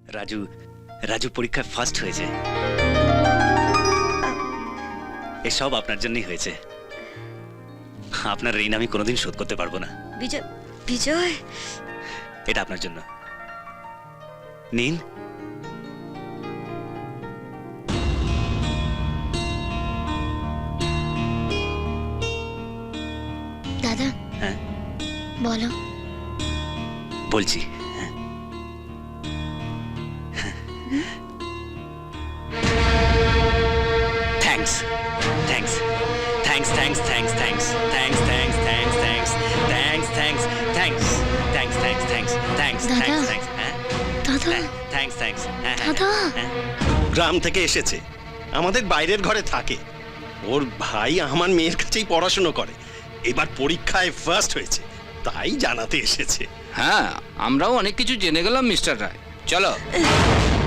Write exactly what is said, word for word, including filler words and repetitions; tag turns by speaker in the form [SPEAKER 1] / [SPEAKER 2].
[SPEAKER 1] রাজু রাজু পরীক্ষায় ফার্স্ট হয়েছে। এসব আপনার জন্যই হয়েছে। আপনার ঋণ আমি কোনোদিন শোধ করতে পারবো না।
[SPEAKER 2] বিজয় বিজয়
[SPEAKER 1] এটা আপনার জন্য নিন।
[SPEAKER 2] দাদা
[SPEAKER 1] হ্যাঁ
[SPEAKER 2] বলো।
[SPEAKER 1] বলছি। হ্যাঁ thanks thanks thanks thanks thanks thanks thanks thanks thanks thanks thanks thanks thanks thanks thanks thanks
[SPEAKER 2] দাদা।
[SPEAKER 1] থ্যাঙ্কস থ্যাঙ্কস হ্যাঁ
[SPEAKER 2] দাদা
[SPEAKER 1] থ্যাঙ্কস থ্যাঙ্কস
[SPEAKER 2] দাদা
[SPEAKER 3] গ্রাম থেকে এসেছে, আমাদের বাইরের ঘরে থাকে। ওর ভাই আমার মেয়ের কাছেই পড়াশুনো করে, এবার পরীক্ষায় ফার্স্ট হয়েছে, তাই জানাতে এসেছে।
[SPEAKER 4] হ্যাঁ, আমরাও অনেক কিছু জেনে গেলাম মিস্টার রায়। চলো।